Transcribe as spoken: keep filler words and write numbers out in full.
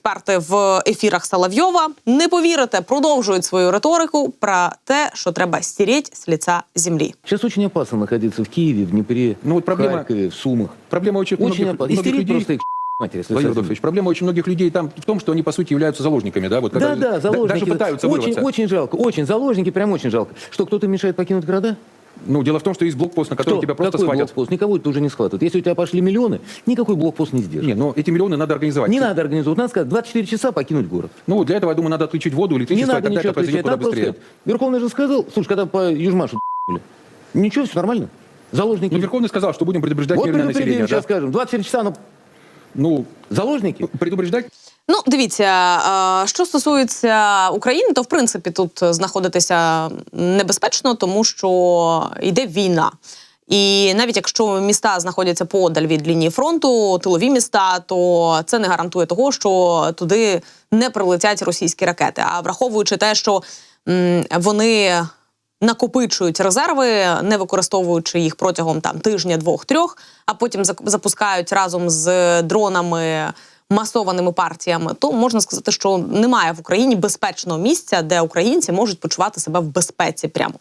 експерти в ефірах Соловйова. Не повірите, продовжують свою риторику про те, що треба стереть з лица землі. Сейчас очень опасно находиться в Киеве, в Днепре, Ну, вот проблема- в Харькове, в Сумах. Проблема очень, Очень многих, опасно. многих Истерить людей... просто их матери. если Владимир совсем. Рудольфович, проблема очень многих людей там в том, что они, по сути, являются заложниками, да? Вот, Да, когда да, заложники. Даже пытаются очень, вырваться. очень жалко, очень. Заложники прям очень жалко. Что, кто-то мешает покинуть города? Ну, дело в том, что есть блокпост, на котором Кто? тебя просто Какой схватят. блокпост? Никого это уже не схватывают. Если у тебя пошли миллионы, никакой блокпост не сдержит. Не, но эти миллионы надо организовать. Не надо организовать. Надо сказать, двадцать четыре часа покинуть город. Ну, для этого, я думаю, надо отключить воду, Не электричество, и надо тогда ничего это произойдет отвечать. куда Надо просто быстрее. сказать. Верховный же сказал, слушай, когда по Южмашу ***ли, ничего, все нормально. Заложники. Ну, Верховный сказал, что будем предупреждать Вот мирное предупредили, население. сейчас Да? скажем. двадцать четыре часа, ну, Ну, заложники. предупреждать? Ну, дивіться, е, що стосується України, то, в принципі, тут знаходитися небезпечно, тому що йде війна. І навіть якщо міста знаходяться подаль від лінії фронту, тилові міста, то це не гарантує того, що туди не прилетять російські ракети. А враховуючи те, що м, вони накопичують резерви, не використовуючи їх протягом там тижня, двох-трьох, а потім зак- запускають разом з дронами масованими партіями, то можна сказати, що немає в Україні безпечного місця, де українці можуть почувати себе в безпеці прямо.